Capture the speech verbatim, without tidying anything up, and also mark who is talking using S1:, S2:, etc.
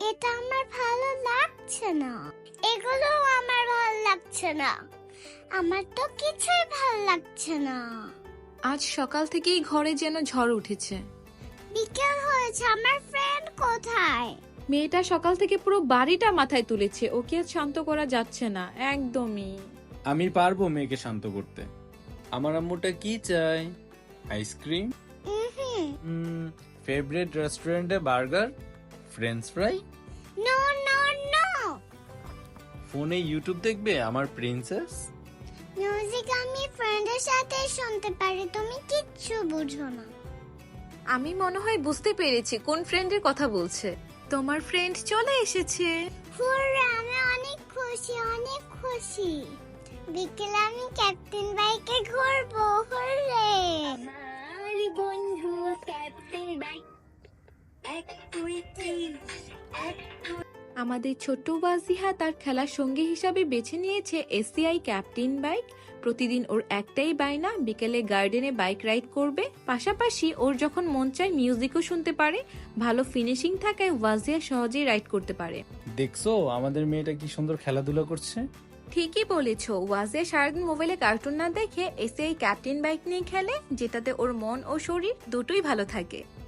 S1: এটা আমার ভালো লাগছে না, এগুলো আমার ভালো লাগছে না, আমার তো কিছুই ভালো লাগছে না।
S2: আজ সকাল থেকেই ঘরে যেন ঝড় উঠেছে।
S1: বিকেল হয়েছে, আমার ফ্রেন্ড কোথায়?
S2: মেয়েটা সকাল থেকে পুরো বাড়িটা মাথায় তুলেছে, ওকে আর শান্ত করা যাচ্ছে না একদমই।
S3: আমি পারবো মেয়েকে শান্ত করতে। আমার আম্মুটা কি চাই? আইসক্রিম,
S1: হুম
S3: ফেভারিট রেস্টুরেন্টে burger, french fries,
S1: no no no.
S3: ফোনে ইউটিউব দেখবে আমার প্রিন্সেস।
S1: মিউজিক আমি ফ্রেন্ডের সাথে শুনতে পারি, তুমি কিচ্ছু বুঝো না।
S2: আমি মনে হয় বুঝতে পেরেছি কোন ফ্রেন্ডের কথা বলছে। তোমার ফ্রেন্ড চলে এসেছে।
S1: হুররা, আমি অনেক খুশি, অনেক খুশি। বিকেলে আমি ক্যাপ্টেন বাইকে ঘুরবো, হুররে।
S4: আমার বন্ধু ক্যাপ্টেন বাইক, এক দুই তিন, এক
S2: আমাদের ছোট্ট ওয়াজিহা তার খেলার সঙ্গী হিসাবে বেছে নিয়েছে এসিআই ক্যাপ্টেন বাইক। প্রতিদিন ওর একটাই বায়না, বিকেলে গার্ডেনে বাইক রাইড করবে। পাশাপাশি ওর যখন মন চায় মিউজিকও শুনতে পারে। ভালো ফিনিশিং থাকায় ওয়াজিহা সহজেই রাইড করতে পারে।
S3: দেখছো আমাদের মেয়েটা কি সুন্দর খেলাধুলা করছে।
S2: ঠিকই বলেছ, ওয়াজিয়া সারাদিন মোবাইলে কার্টুন না দেখে এসিআই ক্যাপ্টেন বাইক নিয়ে খেলে, যেটাতে ওর মন ও শরীর দুটোই ভালো থাকে।